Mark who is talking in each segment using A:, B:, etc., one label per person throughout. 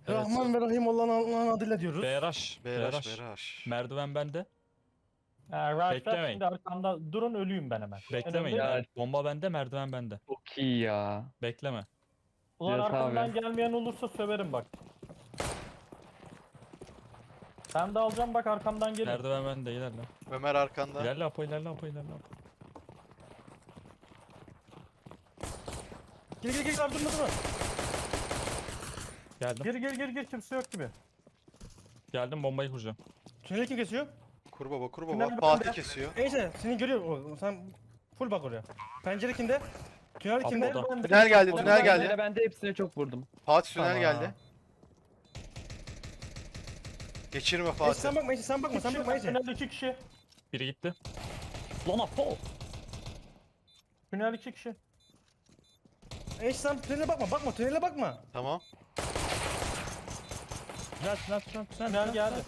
A: Evet.
B: Rahman ve Rahim olan Allah'ın adıyla diyoruz.
A: BRH.
C: Beraş
A: BRH.
C: beraş.
A: Merdiven bende.
D: Rush'lar
A: Beklemeyin.
D: şimdi arkamda durun, ölüyüm ben hemen.
A: Beklemeyin.
D: Önemli.
E: Ya.
A: Bomba bende, merdiven bende.
E: Çok iyi ya.
A: Bekleme.
D: Ulan
E: Cihat
D: arkamdan
E: abi.
D: gelmeyen olursa söverim bak. Ben de alacağım bak, arkamdan gelin.
A: Merdiven bende, ilerle.
C: Ömer arkanda.
A: İlerle Apo, ilerle Apo, ilerle Apo.
B: Gel abi durma.
A: Geldim.
D: Gir kimse yok gibi.
A: Geldim, bombayı kuracağım.
B: Tüneli kim kesiyor?
C: Kur baba kur
D: Tünel
C: baba. Fatih
D: bende.
C: kesiyor.
B: Neyse seni görüyor o. Sen full bak oraya. Pencere kimde? Tünel kimde?
A: Apo'da.
D: Ben de-
C: Tünel geldi,
D: Ben
C: tünel
D: de-
C: geldi.
E: Ben de hepsine çok vurdum.
C: Fatih tünel
B: Tamam.
C: geldi. Geçirme
B: Neyse
C: Fatih.
B: sen bakma, sen bakma, sen bakma. Neyse.
D: Tünel 2 kişi.
A: Biri gitti.
E: Lan Apo.
D: Tünel 2 kişi.
B: Neyse sen tünele bakma, tünele bakma.
C: Tamam.
D: Tünel geldi.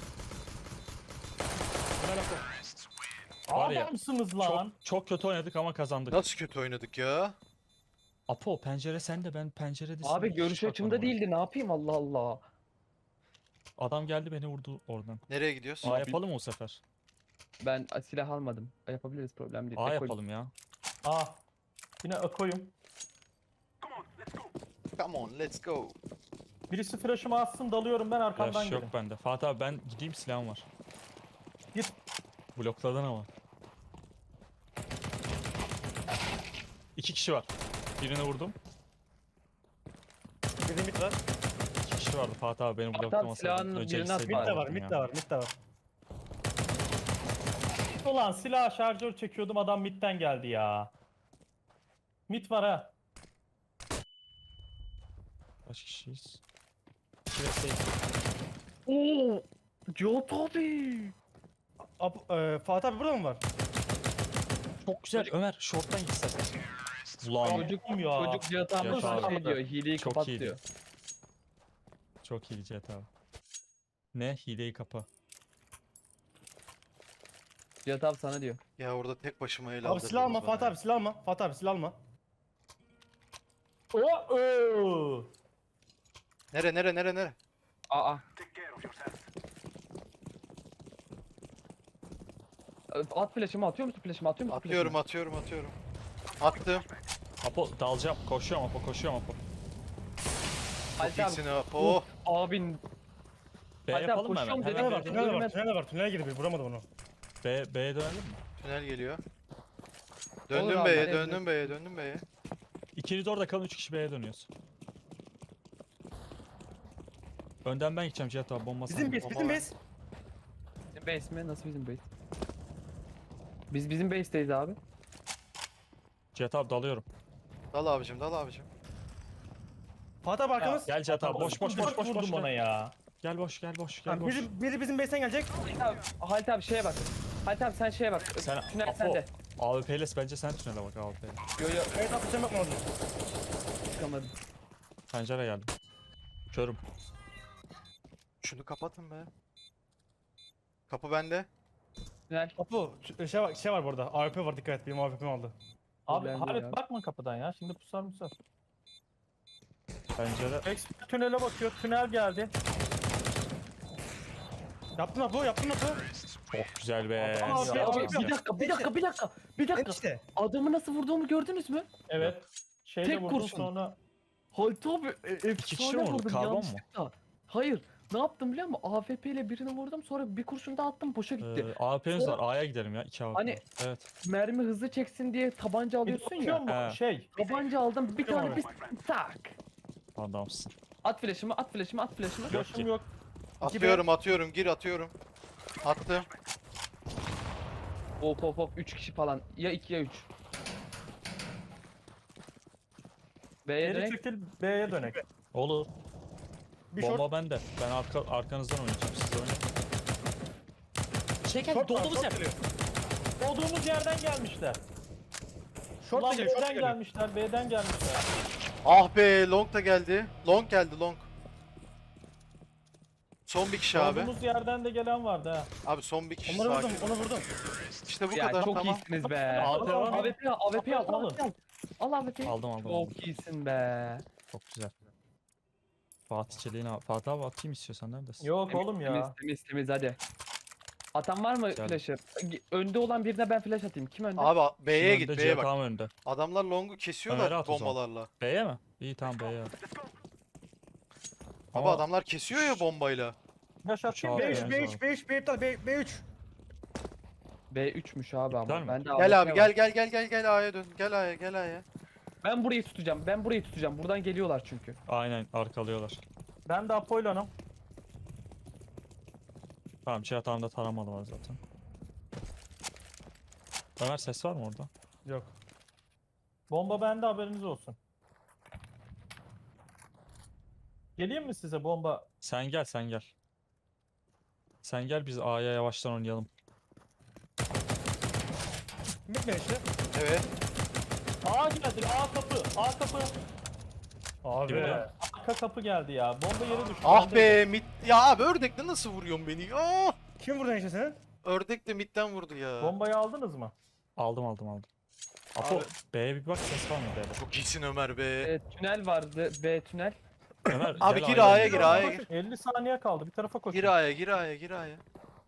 A: Var ya,
D: Adamsınız lan.
A: Çok kötü oynadık ama kazandık.
C: Nasıl kötü oynadık ya?
A: Apo pencere sende, ben penceredesin.
E: Abi
A: Hiç
E: görüş açımda
A: bakmadım
E: değildi. Ne yapayım Allah Allah.
A: oraya. Adam geldi beni vurdu oradan.
C: Nereye gidiyorsun?
A: A yapalım mı bu sefer?
E: Ben silah almadım. Yapabiliriz, problem değil.
A: A
E: Tek
A: yapalım ya.
D: Yine Ako'yum.
C: Come on let's go.
D: Birisi flash'ımı atsın, dalıyorum ben, arkamdan
A: Flash
D: gelin.
A: yok bende. Fatih abi ben gideyim, silahım var.
D: Git.
A: Blokladın ama. 2 kişi var. Birini vurdum.
B: Bir de mid var.
A: 2 kişi vardı Fatih abi, benim
E: Fatih abi
A: bloklamasaydın.
E: silahını
A: Önce
E: birine at
A: gitseydim
B: Mid de var,
A: alırdım
B: mid
A: ya.
B: de var, mid de var.
D: Ulan silah şarjör çekiyordum, adam midden geldi ya. Mid var ha.
A: Kaç kişiyiz? 2 ve 8.
E: Oo! Cihat abi.
B: Fatih abi burada mı var?
A: Çok güzel Ömer, short'tan gitsen. Ulan
E: Çocuk,
D: Ya.
E: çocuk Cihat abi
A: Cihat
E: sana
A: abi.
E: şey diyor. Hileyi
A: Çok
E: kapat
A: iyiydi.
E: diyor.
A: çok iyi Cihat abi. Ne? Hileyi kapa.
E: Cihat abi sana diyor.
C: Ya orada tek başıma el
B: Abi
C: aldırdınız
B: silah alma,
C: bana
B: Fatih
C: ya.
B: abi silah alma. Fatih abi silah alma.
D: Oo.
C: Nere?
E: Aa. At flash'ımı, atıyor musun flash'ımı? Atıyor musun
C: Atıyorum. Attım.
A: Apo dalacağım. Koşuyorum Apo, koşuyorum Apo.
E: Halit
C: Çok
E: abi.
C: iyisin ha. Oh.
E: Abin.
A: B
E: Hadi abi,
A: yapalım mı
E: koşuyorum
A: hemen?
E: dedim.
A: Hemen
B: Tünel var,
A: B,
B: tünel var, tünele girdi bir, vuramadım onu.
A: B'ye dönelim mi?
C: Tünel geliyor.
E: Olur
C: Döndüm
E: abi,
C: B'ye,
E: hadi.
C: döndüm B'ye.
A: İkiniz orada kalın, 3 kişi B'ye dönüyoruz. Önden ben gideceğim Cihat abi, bomba
B: Bizim
A: sende.
B: base, bizim base.
E: Bizim base mi? Nasıl bizim base? Biz bizim base'teyiz abi.
A: Cihat abi dalıyorum.
C: Dal abicim.
B: Fatih abi arkamız.
A: Gel Cihat abi, boş
D: Vurdum ona
A: gel.
D: ya.
A: Gel boş, gel boş.
B: Biri bizim base'ten gelecek.
E: Halit abi şeye bak. Halit abi sen şeye bak.
A: Sen
E: Tünel
A: Apo,
E: sende.
A: AWP'les bence sen tünele bak AWP'le.
E: Yo
B: Evet abi sen bakma orada.
E: çıkamadım.
A: Pencere geldi. Körüm.
C: Şunu kapatın be. Kapı bende.
E: Tünel.
B: Apo şey var bu arada. AWP var, dikkat et. Benim AWP'm aldı.
D: Abi
E: Problem değil
D: Halit
E: abi.
D: bakma kapıdan ya. Şimdi pusar.
A: Pencere.
D: X tünele bakıyor. Tünel geldi.
B: Yaptın Apo.
A: Çok güzel be.
B: Ama abi,
A: Çok
B: abi,
A: güzel.
E: Bir dakika.
B: İşte.
E: Adamı nasıl vurduğumu gördünüz mü?
D: Evet. Şeyle
E: Tek
D: vurdum
E: kurşun.
D: sonra.
E: Halit abi
A: kişi
E: efsane
A: mi vurdu?
E: vurdum
A: Karbon mu?
E: yanlışlıkla. Hayır. Ne yaptım biliyor musun? AWP ile birini vurdum, sonra bir kurşun daha attım, boşa gitti.
A: AWP'niz var. A'ya gidelim ya. 2 AWP.
E: Hani-
A: var. Evet.
E: Mermi hızlı çeksin diye tabanca
D: Bir
E: alıyorsun
D: bakıyor
E: ya.
D: mu?
A: He.
D: Şey.
E: Tabanca aldım, bir tane
B: Abi.
E: bir tak.
A: Adamsın.
E: At flash'ımı.
D: Yaşım yok.
C: Atıyorum. Gir atıyorum. Attım.
E: Hop 3 kişi falan. Ya 2 ya 3. B'ye
D: Geri
E: dönek.
D: çekil, B'ye dönek.
A: Olur.
B: Bir
A: Bomba
B: short.
A: bende. Ben arkanızdan oynayacağım. Siz oynayın. Çeker
B: Short var,
A: dolduğumuz yer.
B: short geliyor.
D: Olduğumuz yerden gelmişler.
B: Short
D: Ulan
B: geliyor, short
D: B'den
B: geliyor.
D: gelmişler, B'den gelmişler.
C: Ah be long da geldi. Long geldi. Son bir kişi abi.
D: Olduğumuz yerden de gelen vardı ha.
C: Abi son bir kişi
B: Onları
C: sakin.
B: vurdum, onu vurdum.
C: İşte bu
E: Ya
C: kadar
E: çok
C: tamam.
E: iyisiniz be.
A: AWP var mı?
E: AWP al, AWP al,
D: Alın.
E: AWP al. Al AWP.
A: Aldım.
E: Çok iyisin be.
A: Çok güzel. Fatih Çelik'in abi. Fatih abi atayım istiyorsan, neredesin?
D: Yok oğlum
E: Temiz
D: ya.
E: temiz temiz hadi. Atan var mı
A: Geldim.
E: flash'ı? Önde olan birine ben flash atayım. Kim önde?
C: Abi B'ye
A: Şimdi
C: git
A: önde,
C: B'ye
A: Cihat
C: bak.
A: abi önde.
C: Adamlar long'u
A: Ömer'e
C: kesiyorlar
A: at o zaman.
C: bombalarla.
A: B'ye mi? İyi tamam B'ye at.
C: Abi
A: Ama
C: adamlar kesiyor ya bombayla.
D: Yaş atayım
A: Uçağı
D: mı?
A: atıyor.
B: B3 B3 B3 B3 B3.
E: B3'müş abi
A: İptal
E: ama.
A: mi?
E: Ben de
C: Gel
E: AWP
C: abi
E: var.
C: gel A'ya dön. Gel A'ya gel A'ya.
E: Ben burayı tutacağım. Ben burayı tutacağım. Buradan geliyorlar çünkü.
A: aynen arkalıyorlar.
D: Ben de Apollon'um.
A: Tamam Cihat abi de taramalı var zaten. Ömer ses var mı orada?
B: Yok.
D: Bomba bende, haberiniz olsun. Geleyim mi size bomba?
A: Sen gel sen gel. Sen gel biz A'ya yavaştan oynayalım.
B: Bitme işte.
C: Evet.
D: A geldi. A kapı. A kapı.
B: Abi.
A: Gibi lan.
D: Arka kapı geldi ya. Bomba yere düştü.
C: Ah
D: bendeydi.
C: be mid. Ya abi ördekle nasıl vuruyorsun beni? Ah!
B: Kim vurdu işte senin?
C: Ördek de midden vurdu ya.
D: Bombayı aldınız mı?
A: Aldım. Apo
C: Abi.
A: B'ye bir bak, ses var mı B'de?
C: Çok iyisin Ömer be.
E: Tünel vardı. B tünel.
A: Ömer
C: Abi
A: gel
C: gir
A: A'ya
C: A'ya
A: gir.
C: gir A'ya gir.
D: 50 saniye kaldı. Bir tarafa koşun.
C: Gir A'ya gir A'ya gir A'ya.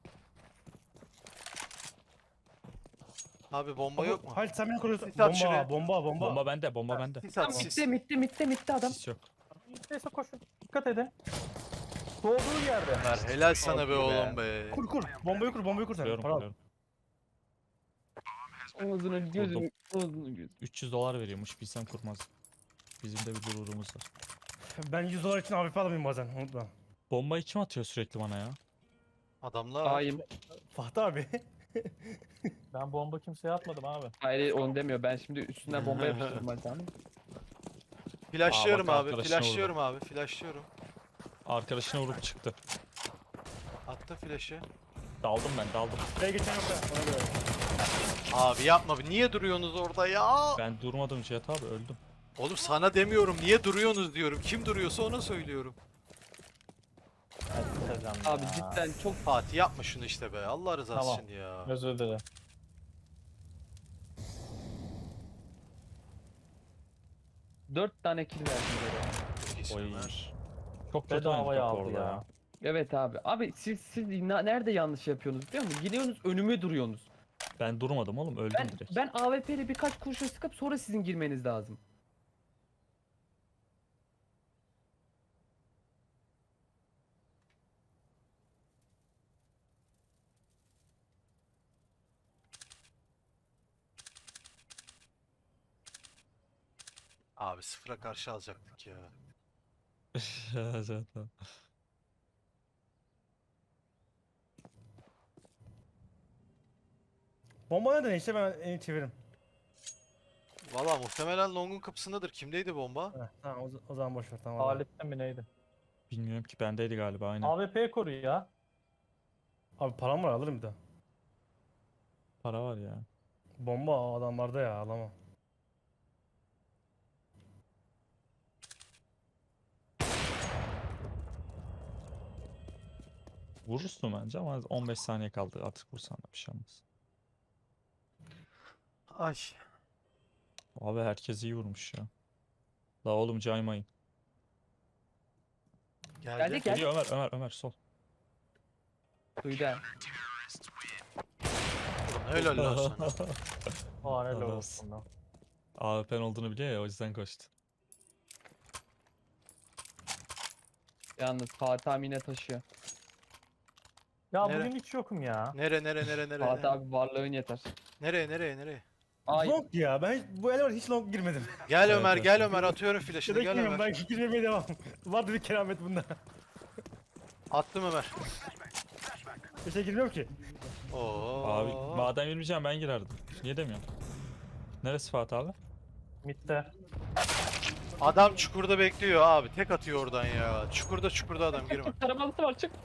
C: Abi bomba yok mu?
B: Halit sen beni koruyorsun.
C: Sis at şuraya.
B: Bomba.
A: Bomba bende.
C: Sis at
E: Mitte
C: sis.
E: mitte adam.
A: Sis yok.
D: Neyse koşun. Dikkat edin. Doğduğu yerde.
C: Ömer helal sana be
E: Oldu be.
C: oğlum be.
B: Kur. Bombayı kur sen.
A: Kuruyorum
B: Para al.
A: kuruyorum.
E: Ağzını gözünü. Ağzını gözünü.
A: 300 dolar veriyormuş, bilsem kurmaz. Bizim de bir gururumuz var.
B: Ben 100 dolar için AWP alamayayım bazen. Unutma.
A: Bombayı kim atıyor sürekli bana ya?
C: Adamlar.
E: Ayım.
B: Fatih abi.
D: Ben bomba kimseye atmadım abi.
E: Hayır onu demiyor. Ben şimdi üstüne bomba yapıştırdım ben sana.
C: Flashlıyorum
A: Aa, bak
C: abi.
A: arkadaşına
C: Flashlıyorum abi. Flashlıyorum.
A: Arkadaşına vurup çıktı.
C: Attı flash'ı.
A: Daldım.
B: Buraya geçen yok da. Ona göre.
C: Abi yapma. Niye duruyorsunuz orada ya?
A: Ben durmadım Cihat abi, öldüm.
C: Oğlum sana demiyorum. Niye duruyorsunuz diyorum. Kim duruyorsa ona söylüyorum.
E: Abi cidden çok
C: Fatih yapma şunu işte be. Allah rızası
D: Tamam.
C: için ya.
D: Özür dilerim.
E: dört tane kill verdim böyle.
C: Çok iyisin
A: Oy.
C: Ömer.
A: Çok kötü
D: Bedavaya
A: oynadık
D: aldı
A: orada
D: ya.
A: ya.
E: Evet abi. Abi siz nerede yanlış yapıyorsunuz biliyor musun? Gidiyorsunuz önüme duruyorsunuz.
A: Ben durmadım oğlum, öldüm
E: Ben
A: direkt.
E: ben AWP ile birkaç kurşun sıkıp sonra sizin girmeniz lazım.
C: Abi sıfıra karşı alacaktık ya.
A: Cihat abi.
B: Bomba nereden işte ben çeviririm.
C: Valla muhtemelen Long'un kapısındadır. Kimdeydi bomba?
B: Heh, tamam o zaman boş ver tamam.
D: Halit'ten mi neydi?
A: Bilmiyorum ki, bendeydi galiba aynen.
D: AWP'ye koru ya.
B: Abi param var alırım bir daha.
A: Para var ya.
B: Bomba adamlarda ya alamam.
A: Vurursun bence ama 15 saniye kaldı, artık vursan da bir şey olmaz.
C: Ay.
A: Abi herkes iyi vurmuş ya. La oğlum caymayın.
C: Geldi.
E: Gel.
A: Geliyor Ömer sol.
E: Duydu ha.
C: Helal lan sana.
D: Aa helal
A: Helal
D: olsun lan.
A: AWP'nin olduğunu biliyor ya, o yüzden koştu.
E: Yalnız Fatih abi yine taşıyor.
D: Ya
C: Nere?
D: bugün hiç yokum ya.
C: Nere?
E: Fatih abi varlığın yeter.
C: Nereye?
E: Ay
B: Long ya ben bu ele var hiç long girmedim.
C: Gel
A: Evet,
C: Ömer
A: evet.
C: gel Ömer atıyorum flash'ını gel
B: Şuradaki
C: Ömer.
B: ben girmemeye devam. Vardı bir keramet bunda.
C: Attım Ömer.
B: Bir şey girmiyorum ki.
C: Oo.
A: Abi madem girmeyeceğim ben girerdim. Niye demiyorsun? Neresi Fatih abi?
D: Mid'de.
C: Adam çukurda bekliyor abi. Tek atıyor oradan ya. Çukurda adam girme.
E: taramalısı var çık.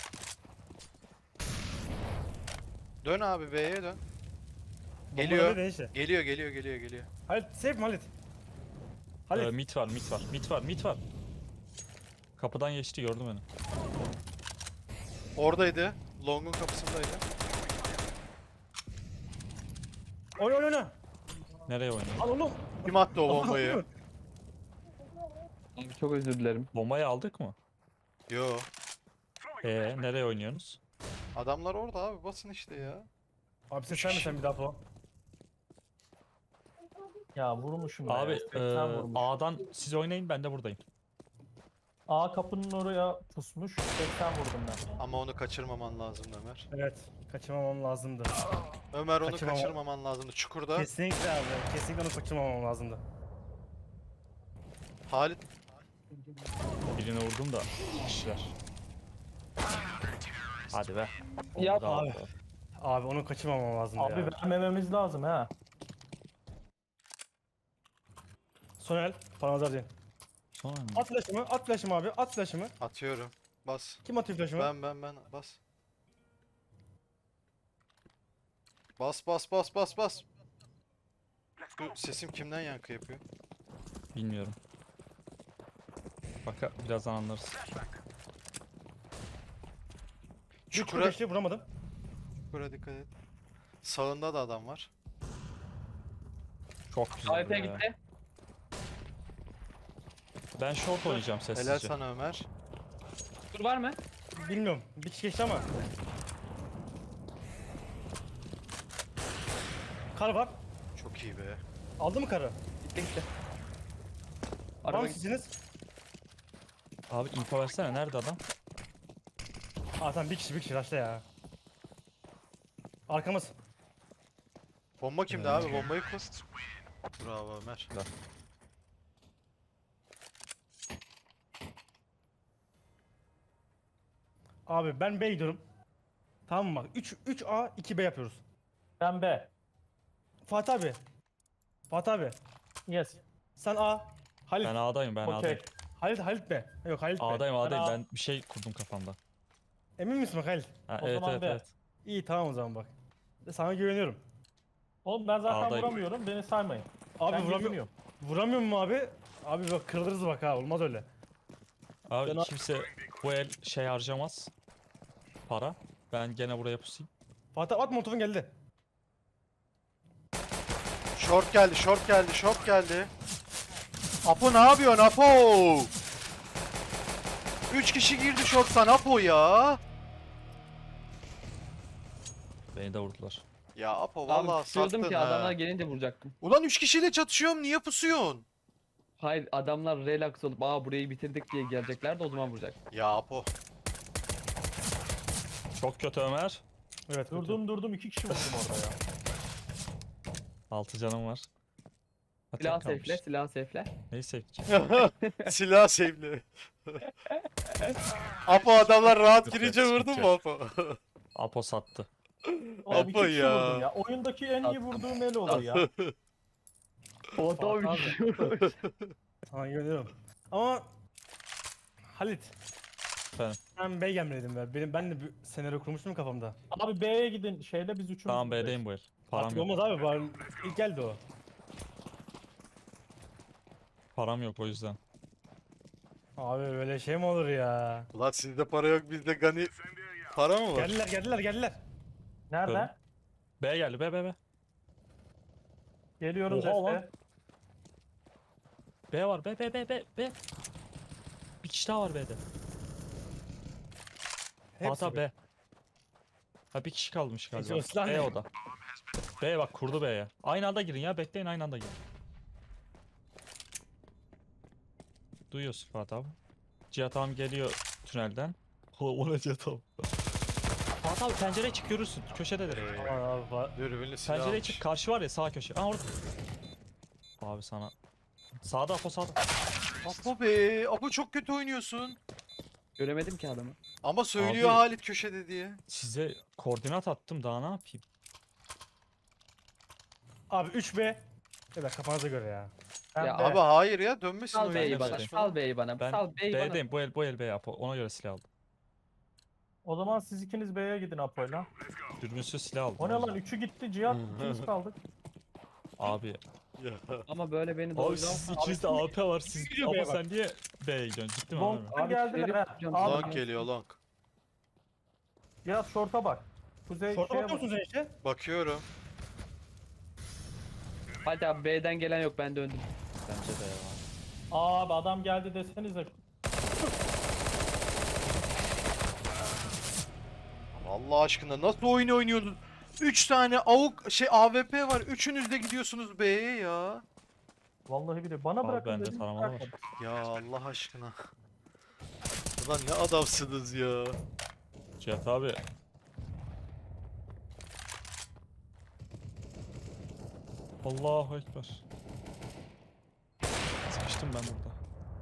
C: Dön abi B'ye dön.
B: Bomba
C: Geliyor.
B: nerede işte?
C: Geliyor.
B: Halit safe mi Halit? Halit.
A: Mid var. Kapıdan geçti, gördü beni.
C: Oradaydı. Long'un kapısındaydı.
B: Oyna.
A: Nereye oynuyor?
B: Al oğlum.
C: Kim attı o bombayı?
E: Abi Çok özür dilerim.
A: Bombayı aldık mı?
C: Yo.
A: Nereye oynuyorsunuz?
C: Adamlar orada abi, basın işte ya.
B: Abi sen mi sen bir daha po?
D: Ya vurmuşum ya.
A: Abi
D: 80 vurmuş.
A: A'dan siz oynayın, ben de buradayım.
D: A kapının oraya pusmuş. 80 vurdum ben.
C: Ama onu kaçırmaman lazım Ömer.
B: Evet. Kaçırmamam lazımdı.
C: Ömer onu
B: Kaçırmama-
C: kaçırmaman lazımdı. Çukurda.
B: Kesinlikle abi. Kesinlikle onu kaçırmamam lazımdı.
C: Halit
A: Birini vurdum da kişiler. Hadi be.
E: Yap
A: Oldu da
B: abi.
A: aldı.
B: Abi onu kaçırmamam lazımdı
D: Abi
B: ya.
D: vermememiz lazım ha.
B: Sonel. Paramazar değil.
A: Sonra mı?
B: At flash'ımı. At flash'ımı abi. At flash'ımı.
C: atıyorum. Bas.
B: Kim atıyor flash'ımı?
C: Ben bas. Bas. Bu sesim kimden yankı yapıyor?
A: Bilmiyorum. Birazdan anlarız.
C: Çukura,
B: Geçti vuramadım.
C: çukura dikkat et. Sağında da adam var.
A: Çok güzel
E: AWP
A: ya.
E: gitti.
A: Ben short oynayacağım
C: Helal
A: sessizce.
C: sana Ömer.
E: Dur var mı?
B: Bilmiyorum. Bir kişi geçti ama. Kar var.
C: Çok iyi be.
B: Aldı mı karı?
E: Gitti gitti.
B: Var
E: Araba
B: mı
E: gitti.
B: siziniz?
A: Abi info versene, nerede adam?
B: Aa tamam bir kişi raşta ya. Arkamız.
C: Bomba kimde abi? Bombayı kur. Bravo Ömer.
B: Abi ben B gidiyorum. Tamam mı bak 3A 2B yapıyoruz.
D: Ben B.
B: Fatih abi. Fatih abi.
D: Yes.
B: Sen A. Halit.
A: Ben A'dayım, ben
D: Okey.
A: A'dayım.
B: Halit B. Yok Halit B.
A: A'dayım.
D: A.
A: Ben bir şey kurdum kafamda.
B: Emin misin bak Halit?
A: Ha,
D: O
A: evet
D: zaman
A: evet
D: B.
A: evet.
B: İyi tamam o zaman bak. Sana güveniyorum.
D: Oğlum ben zaten
A: A'dayım.
D: vuramıyorum. Beni saymayın.
B: Abi
D: Ben
B: vuramıyorum.
D: geziniyorum.
B: Vuramıyor mu abi? Abi bak kırılırız bak ha olmaz öyle.
A: Abi
B: Ben-
A: kimse bu el şey harcamaz. Para. Ben gene buraya pusayım.
B: Fatih at motorun geldi.
C: Short geldi. Apo ne yapıyorsun Apo? 3 kişi girdi short'tan Apo ya.
A: Beni de vurdular.
C: Ya Apo
E: Abi
C: vallahi
E: tutuyordum
C: sattın
E: ki adamlar
C: ha.
E: gelince vuracaktım.
C: Ulan 3 kişiyle çatışıyorum, niye pusuyorsun?
E: Hayır adamlar relax olup burayı bitirdik diye gelecekler de o zaman vuracak.
C: Ya Apo.
A: Çok kötü Ömer.
B: Evet
D: Durdum 2 kişi vurdum orada ya.
A: 6 canım var. Ha, tek
E: Silah
A: kalmış.
E: safe'le, silah safe'le.
A: Neyi safe'leyeceğim?
C: Silah sevli. Apo adamlar rahat
A: Yok,
C: girince
A: yok,
C: vurdun
A: yok.
C: mu Apo?
A: Apo sattı.
D: Oğlum 2
C: Apo
D: kişi
C: ya.
D: vurdum ya. Oyundaki en iyi vurduğum el olur ya.
E: O da bir şey vurmuş.
B: Sana güveniyorum. Ama Halit.
A: Efendim?
B: Ben B gelmeliydim be. Ben de bir senaryo kurmuştum kafamda.
D: Abi B'ye gidin. Şeyle biz üçümüz.
A: Tamam
D: buradayız.
A: B'deyim bu el. Param
B: Artık
A: yok.
B: olmaz abi. Bari ilk geldi o.
A: Param yok o yüzden.
B: Abi böyle şey mi olur ya?
C: Ulan sizde para yok, bizde gani. Para mı var?
B: Geldiler.
D: Nerede?
A: B geldi, B.
D: Geliyorum
A: Oha lan.
D: desteğe.
A: B var, B. Bir kişi daha var B'de.
B: Hepsi
A: Fatih B. Ha bir kişi kalmış galiba.
B: o silah
A: B
B: ne?
A: o da. B bak kurdu B'ye. Aynı anda girin ya, bekleyin aynı anda girin. Duyuyorsun Fatih abi. Cihat abi geliyor tünelden. O ne Cihat abi? Fatih abi pencereye çık görürsün. Köşededir.
B: Aman abi
C: Dürbünlü silah
A: Pencereye
C: almış.
A: çık, karşı var ya sağ köşe. Aa orada. Abi sana. Sağda Apo sağda.
C: Apo be, Apo çok kötü oynuyorsun.
E: Göremedim ki adamı.
C: Ama söylüyor
A: Abi-
C: Halit köşede diye.
A: Size koordinat attım, daha ne yapayım?
B: Abi 3B. Evet kafanıza göre ya.
D: Ben
E: Ya
D: B.
C: Abi hayır ya, dönmesin
E: Sal
C: oyun
E: B'yi
C: ya,
E: bana,
C: saçmalama.
E: sal B'yi bana,
A: Ben
E: sal B'yi bana.
A: B'deyim, bu el B Apo. Ona göre silah aldım.
D: O zaman siz ikiniz B'ye gidin Apo'yla.
A: Dürbünsüz silah aldım.
D: O ne
A: o
D: lan?
A: yüzden.
D: 3'ü gitti. Cihat ikimiz kaldık.
A: Abi.
C: Ya.
E: Ama böyle beni
A: Abi
E: doğru
A: siz ikinizde AP var. Siz
B: Gidiyor
A: ama
B: B'ye bak.
A: sen niye B'ye gidiyorsun? Ciddi mi
D: Long
A: abi?
E: Abi
D: geldiler
E: şerif
D: ha.
E: tutacağım
D: Abi,
E: sana.
C: Long geliyor long.
D: Cihat short'a bak. Kuzey
B: Şorta
D: şeye
B: bakıyor
D: bak.
B: musun sen işte?
C: Bakıyorum.
E: Hadi abi B'den gelen yok ben döndüm.
A: Bence de ya.
D: Abi adam geldi desenize.
C: Allah aşkına nasıl oyun oynuyorsunuz? 3 tane AWP var. Üçünüz de gidiyorsunuz B'ye ya.
D: Vallahi bile bana
A: Abi
D: bırakın
A: bende
D: dedim.
A: taramalı var.
D: bırakmadı.
C: Ya Allah aşkına. Ulan ne adamsınız ya.
A: Cihat abi. Allahu Ekber. Sıkıştım ben burada.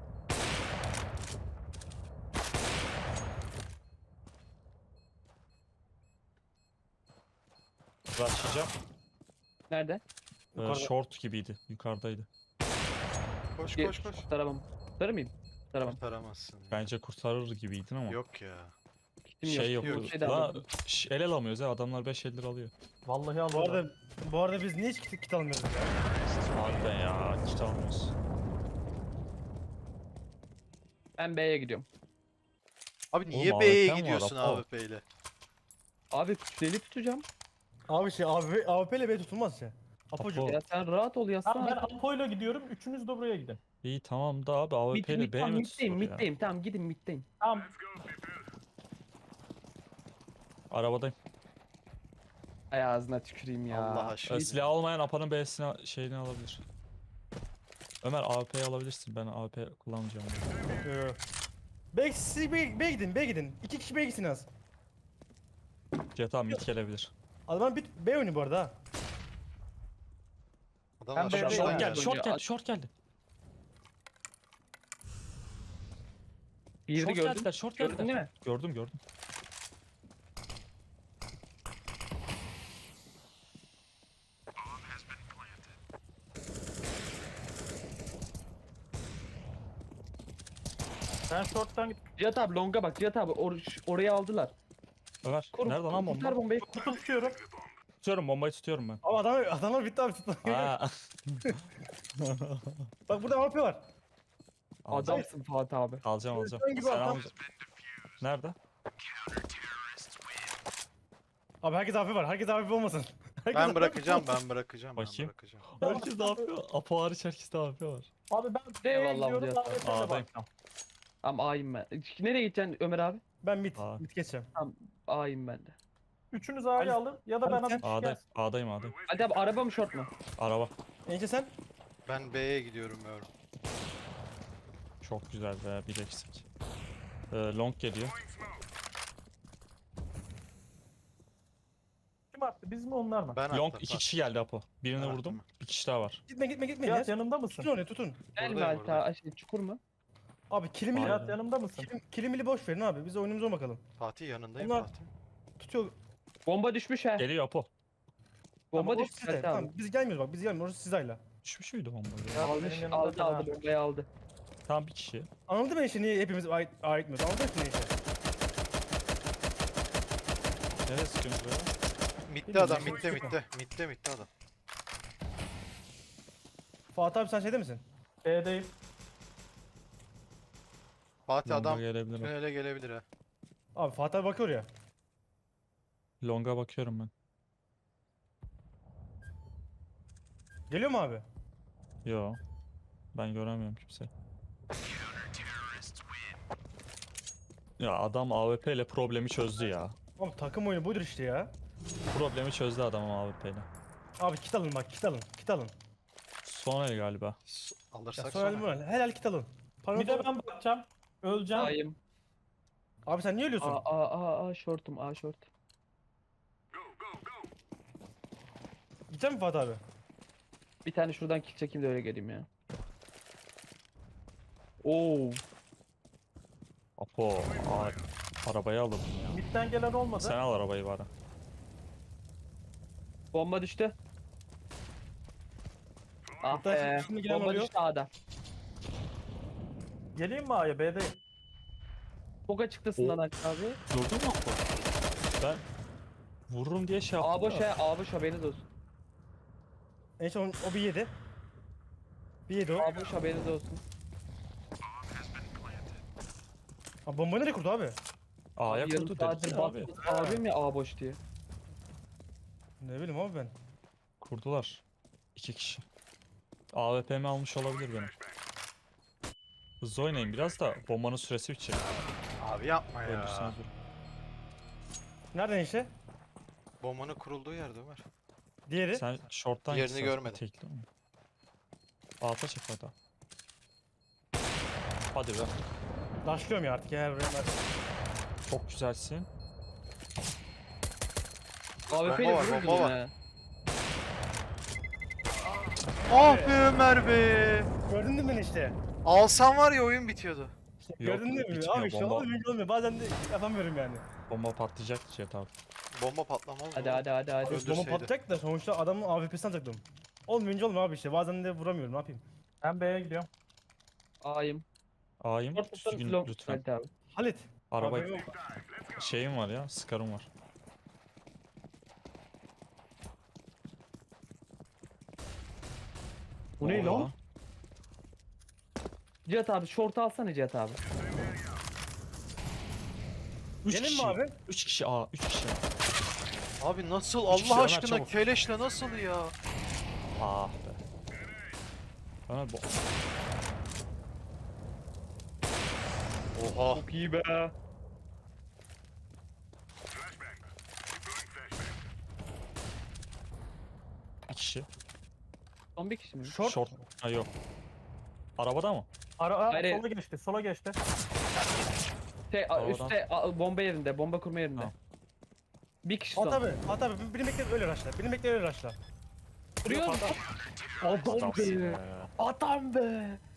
A: Başlayacağım.
E: Nerede?
B: Yukarıda.
A: Short gibiydi. Yukarıdaydı.
C: Koş
E: Gel,
C: koş koş.
E: Kurtaramam. Kurtarır mıyım? Kurtaramam.
C: Kurtaramazsın.
A: Bence kurtarır gibiydin ama.
C: Yok ya.
E: Kitim
A: Şey
E: yok.
A: yok.
E: Şey de
A: La
E: almadım.
A: el alamıyoruz ya. Adamlar 5 eldir alıyor.
D: Vallahi
B: Bu
D: aldım.
B: arada biz niye hiç kit almıyoruz ya?
A: Harbiden ya. Kit almıyoruz.
E: Ben B'ye gidiyorum.
C: Abi niye
A: Oğlum,
C: B'ye
A: AWP mi var,
C: gidiyorsun
A: Apo?
C: AWP ile?
E: Abi deli tutacağım.
B: Abi AWP ile B tutulmaz ya. Apocuğum.
A: Apo.
E: Ya sen rahat ol
D: Tamam ben
E: yazsana.
D: Apo'yla gidiyorum. Üçünüz de buraya gidin.
A: İyi tamam da abi AWP ile B mi
E: Middeyim,
A: tutulur ya?
E: middeyim. Tamam gidin middeyim.
D: Tamam.
A: Arabadayım.
E: Ay ağzına tüküreyim ya.
C: Allah aşkına.
A: Silah almayan Apa'nın B'sine şeyini alabilir. Ömer AWP'yi alabilirsin. Ben AWP kullanmayacağım.
B: Siz B gidin, B gidin. 2 kişi B gitsin az.
A: Cihat abi mid gelebilir.
B: Adam B oynuyor bu arada ha.
C: Adamlar
D: Ben
C: şuradan
D: B'ye
A: Short
D: Aynen.
A: geldi, short
E: Ya.
A: geldi, short geldi.
E: Bir
A: Short
E: gördün.
A: geldiler, short
E: Gördün
A: geldiler.
E: değil mi?
A: Gördüm, gördüm.
D: Ben short'tan git.
E: Cihat abi longa bak Cihat abi orayı aldılar.
A: Ömer,
E: Kur,
A: nerede lan
E: kurtar
A: bomba?
E: bombayı.
D: Kutu tutuyorum.
A: Tutuyorum, bombayı tutuyorum ben.
B: Ama adamlar bitti abi tutma.
A: Aa.
B: Bak burada AWP var.
A: Alacağım,
E: Adamsın Fatih abi.
A: alacağım.
B: Sen gibi
A: Sen
B: adam.
A: alacaksın. Nerede?
B: Abi herkes AWP var. Herkes AWP olmasın. Herkes
C: Ben
B: AWP
C: bırakacağım, ben bırakacağım, ben
A: Bakayım.
C: bırakacağım.
A: Herkes ne yapıyor? Apo hariç herkes ne yapıyor?
D: Abi ben B'ye
E: Eyvallah
D: gidiyorum.
E: Cihat abi.
D: AWP'ye
A: A'dayım.
D: bakacağım.
E: Ama A'yım ben. Nereye gideceksin Ömer abi?
B: Ben mid.
A: Aa.
B: Mid geçeceğim.
E: A'yım ben de.
D: Üçünüz A'yı
B: Ali-
D: alın ya da ben
B: Ali sen-
D: alıp
A: A'dayım, A'dayım.
E: Hadi abi araba mı short mu?
A: Araba.
B: Enişte sen?
C: Ben B'ye gidiyorum yavrum.
A: Çok güzel be, bir eksik. Long geliyor.
D: Kim attı? Biz mi onlar mı?
C: Ben
A: Long
C: attım,
A: 2
C: bak.
A: kişi geldi Apo. Birini
C: Ben
A: vurdum.
C: attım.
A: Bir kişi daha var.
B: Gitme.
D: Cihat
B: Ya.
D: yanımda mısın?
B: Tutun onu tutun.
E: Gel mi
C: Buradayım,
E: Alta? Şey, çukur mu?
B: Abi kilimili,
A: Abi.
D: Cihat yanımda mısın?
B: kilimili boş verin abi. Biz oyunumuza bakalım.
C: Fatih yanındayım
B: Onlar-
C: Fatih.
B: Tutuyor.
E: Bomba düşmüş he.
A: Geliyor Apo.
E: Bomba
B: Ama o
E: düşmüş
B: sizde.
E: Alta abi.
B: Tamam biz gelmiyoruz bak. Biz gelmiyoruz. Orası sizayla.
A: Düşmüş müydü bomba?
D: Ya,
E: Almış,
D: benim yanımda
E: aldı
D: fena.
E: bombayı aldı.
A: Tamam bir kişi.
B: Anladın mı enişte niye hepimiz A gitmiyoruz? Anladın mı enişte?
A: Nereye sıkıyorsunuz böyle?
C: Midde adam, midde adam.
B: Fatih abi sen şeyde misin?
D: B'deyim.
C: Fatih
A: Longa
C: adam
A: gelebilir.
C: tünele gelebilir ha.
B: Abi Fatih abi bakıyor ya.
A: Long'a bakıyorum ben.
B: Geliyor mu abi?
A: Yo. Ben göremiyorum kimseyi. Ya adam AWP ile problemi çözdü ya.
B: Abi takım oyunu budur işte ya.
A: Problemi çözdü adam AWP ile.
B: Abi kit alın bak kit alın. Kit alın.
A: Son el galiba.
B: Ya
C: Alırsak
B: sonra
C: sonra.
B: helal kit alın. Paranız
D: Bir de
B: olur.
D: ben bakacağım. Öleceğim.
E: A'yım.
B: Abi sen niye ölüyorsun?
E: A shortum A short.
B: Gidecek mi Fatih abi?
E: Bir tane şuradan kill çekeyim de öyle geleyim ya. Oo.
A: Apo. Arabayı alırdım ya.
D: Mid'den gelen olmadı.
A: Sen al arabayı bari.
E: Bomba düştü. Ah
B: Hatta
E: be.
B: şimdi gelen
E: Bomba
B: oluyor.
E: düştü A'da.
D: Geleyim mi A'ya? B'deyim.
E: Boga çıktısından aç abi.
A: Durdun mu Apo? Ben vururum diye şey yaptım.
E: A boş
A: da.
E: he. A boş haberiniz olsun.
B: Enişte o bir yedi. Bir yedi o.
E: A boş haberiniz olsun.
B: Abi bombayı nereye kurdu abi?
A: A'ya
E: Yarım
A: kurdu
E: saattir
A: dedik ya abi.
E: bastım. Abim ya A boş diye.
B: Ne bileyim abi ben.
A: Kurdular. 2 kişi. AWP'mi almış olabilir benim. Hızlı oynayın biraz da bombanın süresi bitecek.
C: Abi yapma ya.
A: Öldürseniz vurun.
B: Nereden işte?
C: Bombanın kurulduğu yerde Ömer.
B: Diğeri.
A: Sen short'tan
C: Yerini
A: gitsen
C: görmedim.
A: tekli mi? Alta çek hadi. Hadi be.
B: Başlıyorum ya artık ya.
A: Çok güzelsin.
E: AWP ile
C: Bomba var,
E: vururdum
C: bomba var.
E: ya.
C: Ah be Ömer be.
B: Gördün mü beni işte?
C: Alsan var ya oyun bitiyordu.
B: Gördün mü?
A: bitmiyor,
B: Abi işte
A: bomba.
B: olmuyor. Bazen de yapamıyorum yani.
A: Bomba patlayacak Cihat abi.
C: Bomba patlamaz mı?
E: Hadi hadi hadi hadi.
C: Öldürseydi.
B: Bomba patlayacak da sonuçta adamın AWP'sini atacaktım. Olmayınca olmuyor abi işte. Bazen de vuramıyorum. Ne yapayım?
D: Ben B'ye gidiyorum.
E: A'yım.
A: A'yım
E: Short tutarım
A: düzgün
E: slow.
A: lütfen.
E: Hadi abi.
B: Halit.
A: Araba
B: Abi yok.
A: şeyim var ya, Scar'ım var.
E: Bu ne
A: Oha.
E: lan? Cihat abi short alsana Cihat abi.
A: 3
B: Gelin
A: kişi.
B: mi abi?
A: 3 kişi A, 3 kişi.
C: Abi nasıl
A: Üç kişi
C: Allah
A: Ömer,
C: aşkına
A: çabuk.
C: keleşle nasıl ya?
A: Ah be. Ömer bu.
C: Oha.
E: Çok iyi be.
A: Bir kişi.
E: Son bir kişi mi?
B: Short.
A: Short. Ha yok. Arabada mı?
E: Hayır.
D: Sola geçti, sola geçti.
A: Havadan.
E: Üstte bomba yerinde, bomba kurma yerinde.
A: Tamam.
E: Bir kişi
B: At
E: son.
B: abi. At abi. Beni bekle öyle raşla. Beni bekle öyle raşla.
E: Vuruyor. Adam
A: Adamsın
E: be.
A: be.
E: Adam be.